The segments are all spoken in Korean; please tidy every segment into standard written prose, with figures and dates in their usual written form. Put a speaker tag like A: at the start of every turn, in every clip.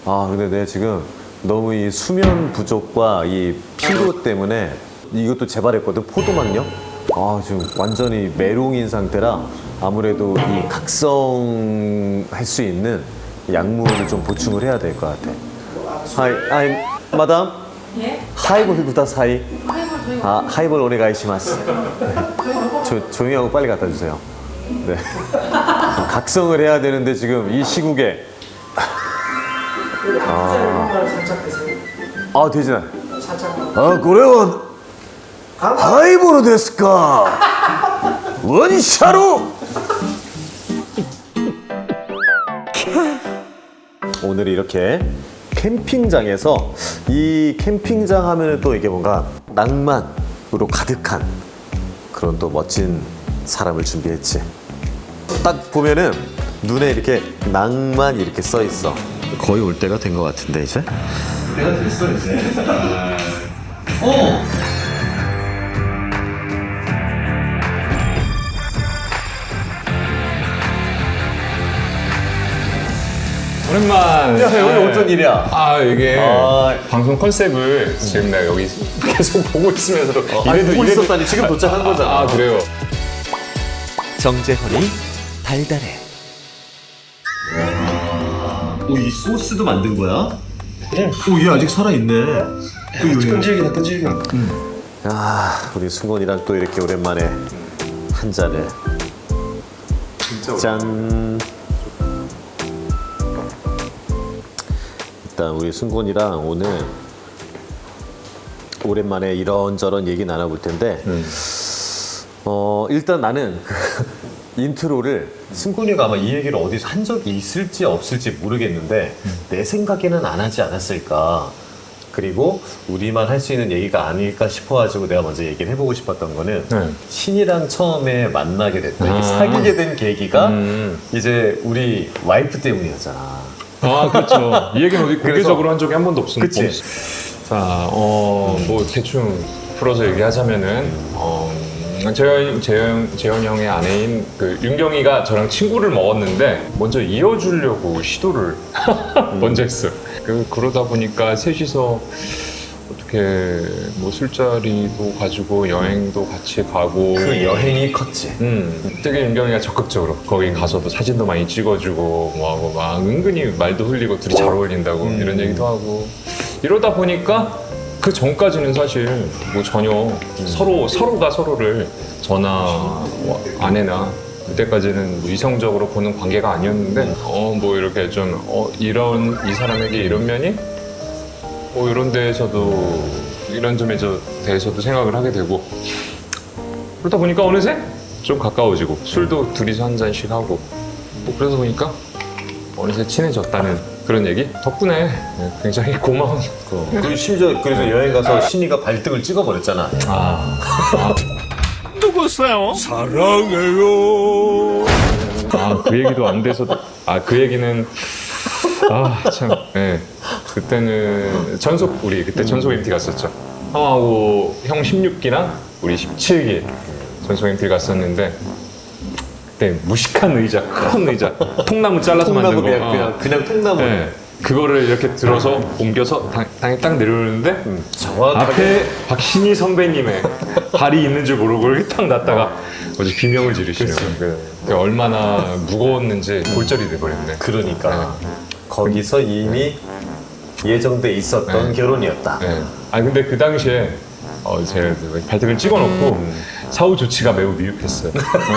A: 근데 내가 지금 너무 이 수면 부족과 이 피로 때문에 이것도 재발했거든, 포도막력. 지금 완전히 메롱인 상태라 아무래도 이 각성할 수 있는 약물을 좀 보충을 해야 될 것 같아. 하이, 마담?
B: 예?
A: 하이볼 구다사이.
B: 하이볼 저희가
A: 하이볼 오네가이시마스. 조용히 하고 빨리 갖다 주세요. 네. 각성을 해야 되는데 지금 이 시국에.
C: 살짝 드세요.
A: 되지나.
C: 살짝.
A: 그래요. 하이보로 데스까? 원샤로? 오늘 이렇게 캠핑장에서 이 캠핑장 하면은 또 이게 뭔가 낭만으로 가득한 그런 또 멋진 사람을 준비했지. 딱 보면은 눈에 이렇게 낭만 이렇게 써 있어. 거의 올 때가 된 것 같은데 이제? 내가 됐어 이제.
D: 오랜만.
A: 야, 여기 어쩐 일이야?
D: 이게
A: 아.
D: 방송 컨셉을 지금 내가 여기 계속 보고 있으면서도
A: 보고 있었다니 지금 도착한 거잖아.
D: 그래요.
A: 정재헌이 달달해. 이 소스도 만든 거야? 얘 아직 살아있네.
C: 끈질기다 끈질겨.
A: 우리 승곤이랑 또 이렇게 오랜만에 한 잔을. 짠. 일단 우리 승곤이랑 오늘 오랜만에 이런저런 얘기 나눠볼 텐데 일단 나는 인트로를 승곤이가 아마 이 얘기를 어디서 한 적이 있을지 없을지 모르겠는데 내 생각에는 안 하지 않았을까. 그리고 우리만 할 수 있는 얘기가 아닐까 싶어가지고 내가 먼저 얘기를 해보고 싶었던 거는 신이랑 처음에 만나게 됐다. 이렇게 사귀게 된 계기가 이제 우리 와이프 때문이었잖아.
D: 그렇죠. 이 얘기는 어디 공개적으로 한 적이 한 번도 없습니다.
A: 그치?
D: 자, 뭐 대충 풀어서 얘기하자면은 재현 형의 아내인 그 윤경이가 저랑 친구를 먹었는데 먼저 이어주려고 시도를 먼저 했어요. 그러다 보니까 셋이서 어떻게 뭐 술자리도 가지고 여행도 같이 가고
A: 그 여행이 컸지.
D: 되게 윤경이가 적극적으로 거기 가서도 사진도 많이 찍어주고 뭐하고 막 은근히 말도 흘리고 둘이 잘 어울린다고 이런 얘기도 하고 이러다 보니까 그 전까지는 사실 뭐 전혀 서로가 서로를 저나 뭐 아내나 그때까지는 뭐 이성적으로 보는 관계가 아니었는데 뭐 이렇게 좀 이런 이 사람에게 이런 면이 뭐 이런 데에서도 이런 점에 대해서도 생각을 하게 되고 그러다 보니까 어느새 좀 가까워지고 술도 둘이서 한 잔씩 하고 뭐 그러다 보니까 어느새 친해졌다는 그런 얘기 덕분에 굉장히 고마운
A: 그 심지어 그래서 여행 가서 신이가 발등을 찍어버렸잖아.
E: 누구세요? 사랑해요.
D: 그 얘기도 안 돼서도 그 얘기는 참 그때는 우리 그때 전속 MT 갔었죠. 형하고 형 16기랑 우리 17기 전속 MT 갔었는데 그때 무식한 의자, 큰 의자, 통나무 잘라서 만든 거.
A: 그냥 통나무.
D: 그거를 이렇게 들어서 옮겨서 당에 딱 내려오는데
A: 정확하게
D: 앞에 박신희 선배님의 발이 있는 줄 모르고 이렇게 딱 놨다가 어제 비명을 지르시네요. 그게 얼마나 무거웠는지 골절이 돼버렸네.
A: 그러니까 거기서 이미 예정돼 있었던 결혼이었다.
D: 근데 그 당시에 제가 발등을 찍어놓고 사후 조치가 매우 미흡했어요.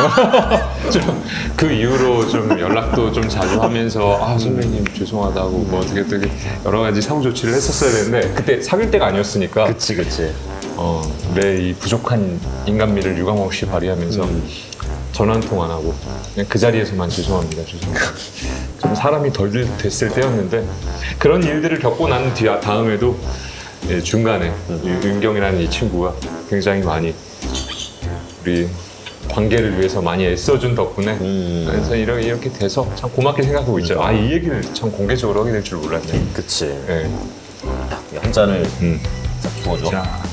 D: 그 이후로 좀 연락도 좀 자주 하면서 선배님 죄송하다고 뭐 어떻게 여러 가지 사후 조치를 했었어야 되는데 그때 사귈 때가 아니었으니까
A: 그치.
D: 내 이 부족한 인간미를 유감없이 발휘하면서 전화 한 통 안 하고 그냥 그 자리에서만 죄송합니다. 좀 사람이 덜 됐을 때였는데 그런 일들을 겪고 난 다음에도 중간에 윤경이라는 이 친구가 굉장히 많이 우리 관계를 위해서 많이 애써준 덕분에 그래서 이렇게 돼서 참 고맙게 생각하고 있죠. 이 얘기를 참 공개적으로 하게 될 줄 몰랐네.
A: 그치. 한 잔을 딱 부어줘.
D: 자,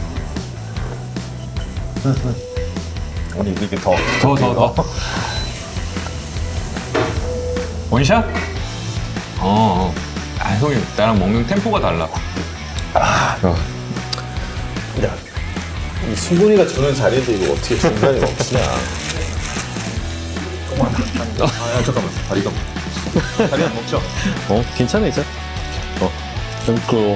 A: 아니 이렇게 더.
D: 원샷? 형이 나랑 먹는 템포가 달라.
A: 야, 이 승곤이가 주는 자리인데 이거 어떻게 중간에 멈추냐. 야, 잠깐만. 다리가. 다리 안 먹죠? 괜찮아, 이제. 끊고.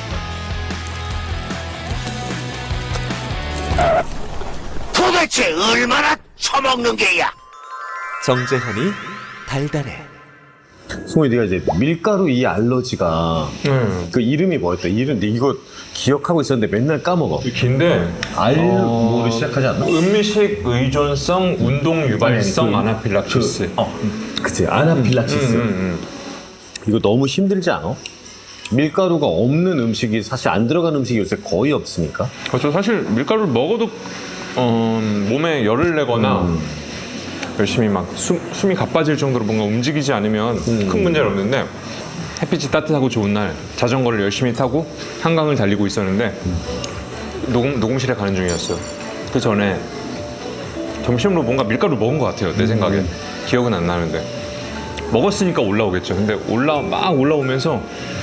E: 도대체 얼마나 처먹는 게야?
B: 정재현이 달달해.
A: 승곤이 네가 이제 밀가루 이 알러지가 그 이름이 뭐였다? 이름, 이거 기억하고 있었는데 맨날 까먹어.
D: 긴데
A: 알모를 시작하지 않나?
D: 음식 의존성 운동 유발성 아나필락시스.
A: 그치, 아나필락시스. 이거 너무 힘들지 않아? 밀가루가 없는 음식이 사실 안 들어간 음식이 요새 거의 없으니까.
D: 그렇죠. 사실 밀가루를 먹어도 몸에 열을 내거나 열심히 막 숨이 가빠질 정도로 뭔가 움직이지 않으면 큰 문제는 없는데 햇빛이 따뜻하고 좋은 날 자전거를 열심히 타고 한강을 달리고 있었는데 녹음실에 가는 중이었어요. 그 전에 점심으로 뭔가 밀가루를 먹은 것 같아요. 내 생각에. 기억은 안 나는데 먹었으니까 올라오겠죠. 근데 막 올라오면서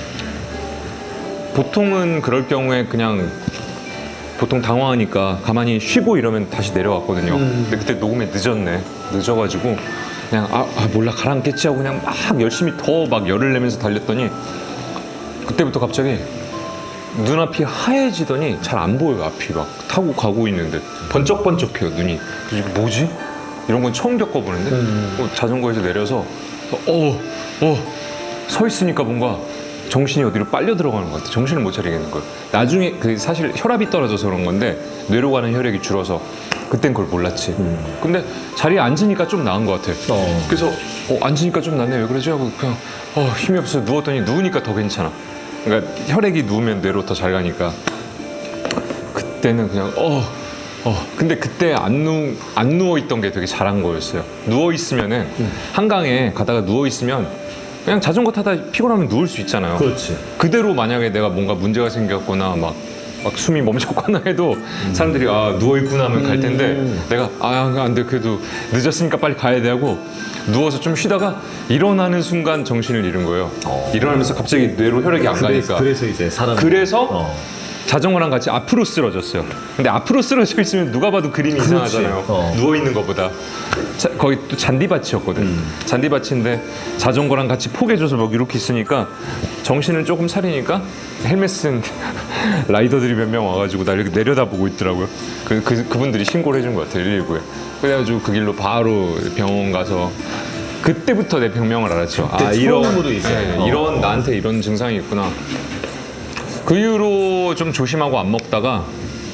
D: 보통은 그럴 경우에 그냥 보통 당황하니까 가만히 쉬고 이러면 다시 내려왔거든요. 근데 그때 녹음에 늦어가지고 그냥 몰라 가라앉겠지 하고 그냥 막 열심히 더 막 열을 내면서 달렸더니 그때부터 갑자기 눈앞이 하얘지더니 잘 안 보여요. 앞이 막 타고 가고 있는데 번쩍번쩍해요 눈이. 그래서 이게 뭐지? 이런 건 처음 겪어보는데 자전거에서 내려서 서 있으니까 뭔가 정신이 어디로 빨려 들어가는 것 같아. 정신을 못 차리겠는 거예요. 나중에 사실 혈압이 떨어져서 그런 건데 뇌로 가는 혈액이 줄어서 그땐 그걸 몰랐지. 근데 자리에 앉으니까 좀 나은 것 같아. 그래서 앉으니까 좀 낫네. 왜 그러지? 하고 그냥 힘이 없어서 누웠더니 누우니까 더 괜찮아. 그러니까 혈액이 누우면 뇌로 더 잘 가니까. 그때는 그냥 근데 그때 안 누워 있던 게 되게 잘한 거였어요. 누워 있으면은 한강에 가다가 누워 있으면 그냥 자전거 타다 피곤하면 누울 수 있잖아요.
A: 그렇지.
D: 그대로 만약에 내가 뭔가 문제가 생겼거나 막 숨이 멈췄거나 해도 사람들이 누워 있구나 하면 갈 텐데 내가 안 돼, 그래도 늦었으니까 빨리 가야 돼 하고 누워서 좀 쉬다가 일어나는 순간 정신을 잃은 거예요. 일어나면서 갑자기 뇌로 혈액이 안 가니까.
A: 그래서 이제 사람.
D: 그래서 자전거랑 같이 앞으로 쓰러졌어요. 근데 앞으로 쓰러져 있으면 누가 봐도 그림이 이상하잖아요. 누워 있는 것보다. 거기 또 잔디밭이었거든. 잔디밭인데 자전거랑 같이 포개줘서 막 이렇게 있으니까 정신을 조금 차리니까 헬멧 쓴 라이더들이 몇 명 와가지고 나 이렇게 내려다보고 있더라고요. 그분들이 신고를 해준 것 같아요. 119에. 그래가지고 그 길로 바로 병원 가서 그때부터 내 병명을 알았죠.
A: 처음으로 이제.
D: 이런 나한테 이런 증상이 있구나. 그 이후로 좀 조심하고 안 먹다가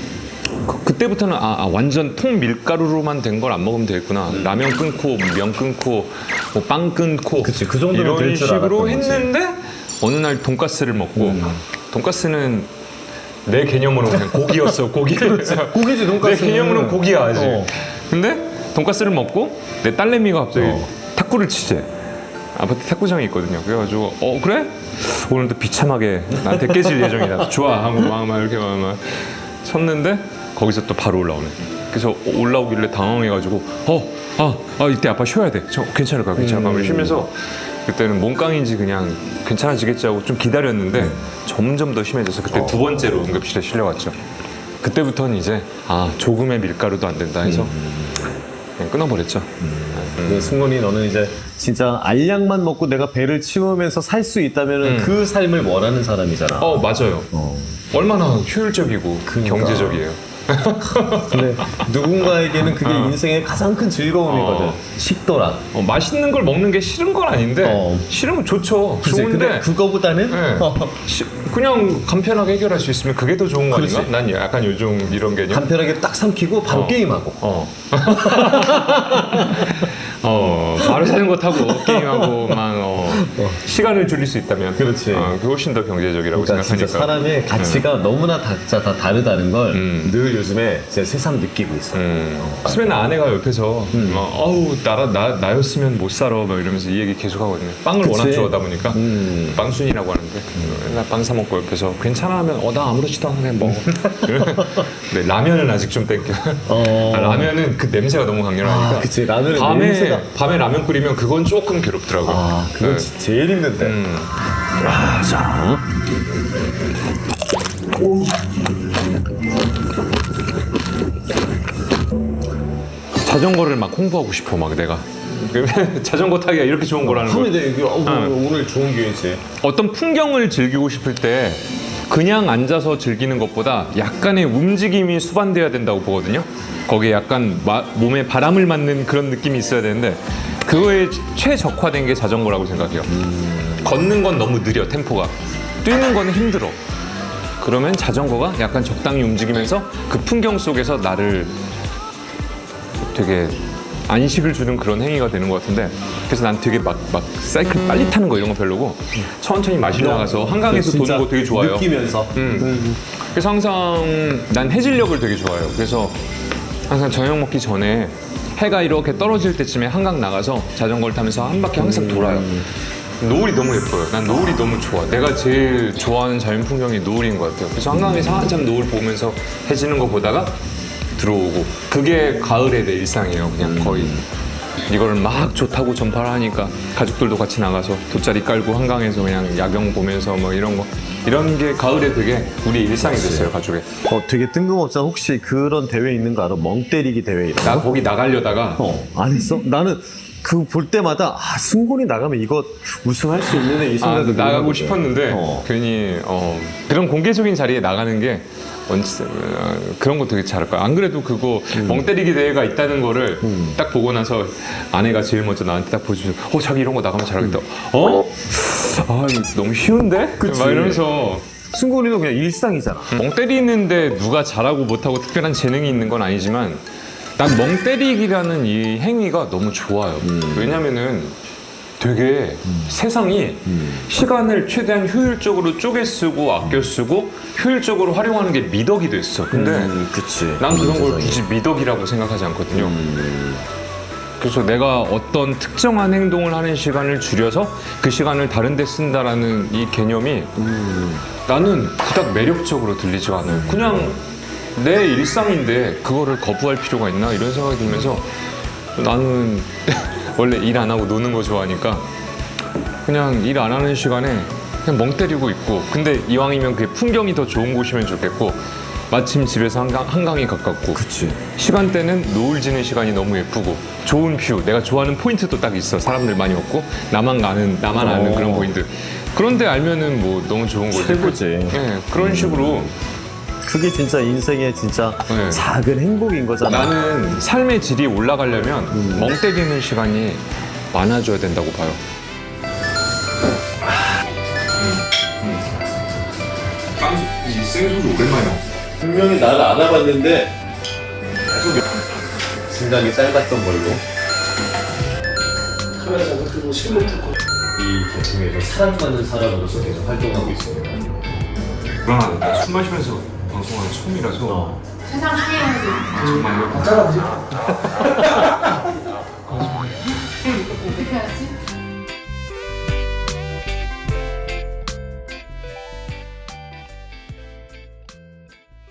D: 그때부터는 완전 통 밀가루로만 된 걸 안 먹으면 되겠구나. 라면 끊고 면 끊고 뭐 빵 끊고
A: 그치, 그 정도는
D: 이런
A: 될 줄
D: 식으로
A: 알았던 거지.
D: 했는데 어느 날 돈가스를 먹고 돈가스는 내 개념으로는 그냥 고기였어. 고기.
A: 고기지, 돈가스는.
D: 내 개념으로는 고기야 아직. 근데 돈가스를 먹고 내 딸내미가 갑자기 탁구를 치재. 아파트 탁구장이 있거든요. 그래가지고 그래? 오늘도 비참하게 나한테 깨질 예정이다. 좋아 하고 막 이렇게 막 쳤는데 거기서 또 바로 올라오네. 그래서 올라오길래 당황해가지고 이때 아빠 쉬어야 돼. 괜찮을까? 쉬면서 그때는 몸깡인지 그냥 괜찮아지겠지 하고 좀 기다렸는데 점점 더 심해져서 그때 두 번째로 응급실에 실려갔죠. 그때부터는 이제 조금의 밀가루도 안 된다 해서 그냥 끊어버렸죠.
A: 승곤이 너는 이제 진짜 알약만 먹고 내가 배를 채우면서 살 수 있다면 그 삶을 원하는 사람이잖아.
D: 맞아요. 얼마나 효율적이고 경제적이에요.
A: 근데 누군가에게는 그게 인생의 가장 큰 즐거움이거든. 식도락.
D: 맛있는 걸 먹는 게 싫은 건 아닌데 싫으면 좋죠.
A: 그치?
D: 좋은데
A: 근데 그거보다는
D: 그냥 간편하게 해결할 수 있으면 그게 더 좋은 거 아닌가? 난 약간 요즘 이런 개념.
A: 간편하게 딱 삼키고 바로 게임하고.
D: 바로 자전거 타고 게임하고 막 시간을 줄일 수 있다면
A: 그렇지.
D: 그게 훨씬 더 경제적이라고
A: 그러니까
D: 생각하니까.
A: 진짜 사람의 가치가 너무나 각자 다 다르다는 걸 늘 요즘에 제 새삼 느끼고 있어.
D: 스맨 아내가 옆에서 나였으면 못 살아 막 이러면서 이 얘기 계속 하거든요. 빵을
A: 그치?
D: 워낙 좋아하다 보니까 빵순이라고 하는데 맨날 빵 사 먹고 옆에서 괜찮아 하면 나 아무렇지도 않아 그냥 먹어. 네, 라면은 아직 좀 땡겨. 라면은 그 냄새가 너무 강렬하니까.
A: 그치, 라면은
D: 밤에
A: 냄새가.
D: 라면 끓이면 그건 조금 괴롭더라고요.
A: 그건
D: 네,
A: 진짜 제일 힘든데. 아, 자.
D: 자전거를 막 홍보하고 싶어 막 내가. 자전거 타기가 이렇게 좋은 거라는 걸.
A: 하면 이게 오늘 좋은 기회지.
D: 어떤 풍경을 즐기고 싶을 때 그냥 앉아서 즐기는 것보다 약간의 움직임이 수반돼야 된다고 보거든요. 거기에 약간 몸에 바람을 맞는 그런 느낌이 있어야 되는데 그거에 최적화된 게 자전거라고 생각해요. 걷는 건 너무 느려, 템포가. 뛰는 건 힘들어. 그러면 자전거가 약간 적당히 움직이면서 그 풍경 속에서 나를 되게 안식을 주는 그런 행위가 되는 것 같은데, 그래서 난 되게 막 사이클 빨리 타는 거 이런 거 별로고 천천히 마시러 가서 한강에서 도는 거 되게 좋아요.
A: 느끼면서.
D: 그래서 항상 난 해질녘을 되게 좋아해요. 그래서 항상 저녁 먹기 전에 해가 이렇게 떨어질 때쯤에 한강 나가서 자전거를 타면서 한 바퀴 항상 돌아요. 노을이 너무 예뻐요. 난 노을이 너무 좋아. 내가 제일 좋아하는 자연 풍경이 노을인 것 같아요. 그래서 한강에서 한참 노을 보면서 해지는 거 보다가 들어오고, 그게 가을의 내 일상이에요. 그냥 거의 이걸 막 좋다고 전파를 하니까 가족들도 같이 나가서 돗자리 깔고 한강에서 그냥 야경 보면서 뭐 이런 게 가을에 되게 우리 일상이 됐어요, 가족에.
A: 되게 뜬금없잖아. 혹시 그런 대회 있는 거 알아? 멍 때리기 대회 이런 거?
D: 나 거기 나가려다가
A: 안 했어? 나는 그 볼 때마다 승곤이 나가면 이거 우승할 수 있는 이 생각이
D: 나가고 싶었는데 괜히 그런 공개적인 자리에 나가는 게 그런 거 되게 잘할 거야. 안 그래도 그거 멍 때리기 대회가 있다는 거를 딱 보고 나서 아내가 제일 먼저 나한테 딱 보여주면서 자기 이런 거 나가면 잘하겠다. 이거 너무 쉬운데?
A: 그치.
D: 막 이러면서.
A: 승곤이는 그냥 일상이잖아.
D: 멍 때리는데 누가 잘하고 못하고 특별한 재능이 있는 건 아니지만 난 멍 때리기라는 이 행위가 너무 좋아요. 왜냐면은 되게 세상이 시간을 최대한 효율적으로 쪼개 쓰고 아껴 쓰고 효율적으로 활용하는 게 미덕이 됐어. 근데
A: 그치.
D: 난 그런 걸 굳이 미덕이라고 생각하지 않거든요. 그래서 내가 어떤 특정한 행동을 하는 시간을 줄여서 그 시간을 다른 데 쓴다라는 이 개념이 나는 그닥 매력적으로 들리지가 않아요. 그냥 내 일상인데 그거를 거부할 필요가 있나 이런 생각이 들면서 나는 원래 일 안 하고 노는 거 좋아하니까 그냥 일 안 하는 시간에 그냥 멍 때리고 있고, 근데 이왕이면 그게 풍경이 더 좋은 곳이면 좋겠고, 마침 집에서 한강이 가깝고,
A: 그치.
D: 시간대는 노을 지는 시간이 너무 예쁘고 좋은 뷰, 내가 좋아하는 포인트도 딱 있어. 사람들 많이 없고 나만 아는 그런 포인트. 그런데 알면은 뭐 너무 좋은 거지.
A: 최고지.
D: 네, 그런 식으로
A: 그게 진짜 인생의 진짜
D: 네.
A: 작은 행복인 거잖아.
D: 나는 삶의 질이 올라가려면 멍 때리는 시간이 많아져야 된다고 봐요. 이 생소주 오랜만이야.
A: 분명히 나를 알아봤는데 계속 생각이 짧았던 걸로
C: 카메라 잡고 그리고 실물 듣고
A: 이 계통에서 사랑받는 사람으로서 계속 활동하고 있습니다.
D: 불안하다. 술 마시면서 방송하는 처음이라서
F: 세상 하얘요.
D: 정말
C: 잘라보지.
F: 어떻게 하지?